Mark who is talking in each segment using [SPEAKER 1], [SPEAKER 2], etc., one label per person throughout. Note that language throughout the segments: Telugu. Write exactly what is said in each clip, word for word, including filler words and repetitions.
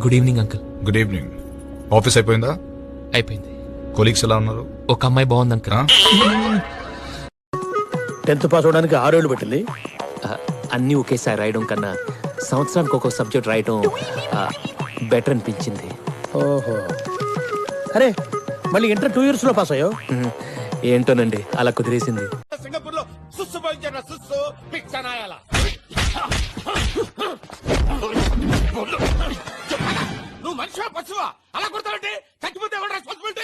[SPEAKER 1] Good evening uncle.
[SPEAKER 2] Good evening. Office అయిపోయిందా?
[SPEAKER 1] అయిపోయింది.
[SPEAKER 2] కొలీగ్స్ ఎలా ఉన్నారు?
[SPEAKER 1] ఒక అమ్మాయి బాగుంది అంకుల్.
[SPEAKER 3] టెన్త్ పాస్ అవడానికి ఆరేళ్లు పట్టింది.
[SPEAKER 1] అన్నీ ఒకేసారి రాయడం కన్నా సంవత్సరానికి ఒక్కొక్క సబ్జెక్ట్ రాయడం బెటర్ అనిపించింది.
[SPEAKER 3] ఓహో, అరే మళ్ళీ ఇంటర్ టూ ఇయర్స్ లో పాస్ అయ్యో.
[SPEAKER 1] ఏంటోనండి అలా కుదిరేసింది.
[SPEAKER 4] సింగపూర్ లో సుస్సు పోయించారు సుస్సు పిచ్చనాయాల నువ్వు మనిషివా పశువా అలా కొడతావంటే చచ్చిపోతే ఎవరు రెస్పాన్సిబిలిటీ?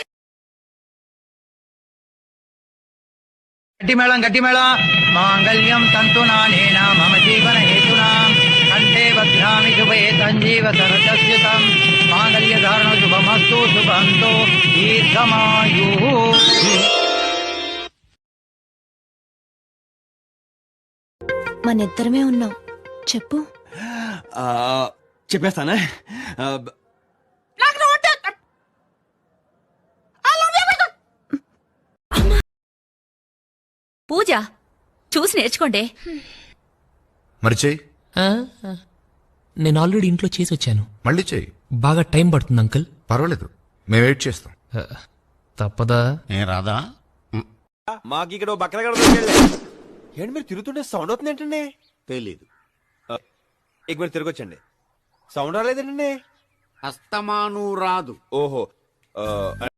[SPEAKER 5] గట్టి మేళం గట్టి మేళం మాంగళ్యం తంతునానేన మమ జీవన హేతునా కంఠే బధ్నామి శుభే సంజీవ సరస్యుతం మాంగళ్య ధారణ శుభమస్తు శుభంతో దీర్ఘమాయు.
[SPEAKER 6] మనిద్దరమే ఉన్నాం, చెప్పు.
[SPEAKER 7] చెప్పేస్తానా?
[SPEAKER 6] పూజ చూసి నేర్చుకోండి.
[SPEAKER 2] మరి చెయ్యి.
[SPEAKER 1] ఆ, నేను ఆల్రెడీ ఇంట్లో చేసి వచ్చాను.
[SPEAKER 2] మళ్ళీ చెయ్యి.
[SPEAKER 1] బాగా టైం పడుతుంది అంకుల్.
[SPEAKER 2] పర్వాలేదు, మేము వెయిట్ చేస్తాం.
[SPEAKER 1] తప్పదా?
[SPEAKER 7] ఏ రాదా?
[SPEAKER 4] మాకు ఇక్కడ బక్కల గడ ఏంటి మీరు తిరుగుతుంటే సౌండ్ అవుతుంది ఏంటండి?
[SPEAKER 7] తెలీదు.
[SPEAKER 4] ఇక మీరు తిరగొచ్చండి. సౌండ్ రాలేదేంటండి?
[SPEAKER 7] అస్తమాను రాదు.
[SPEAKER 4] ఓహో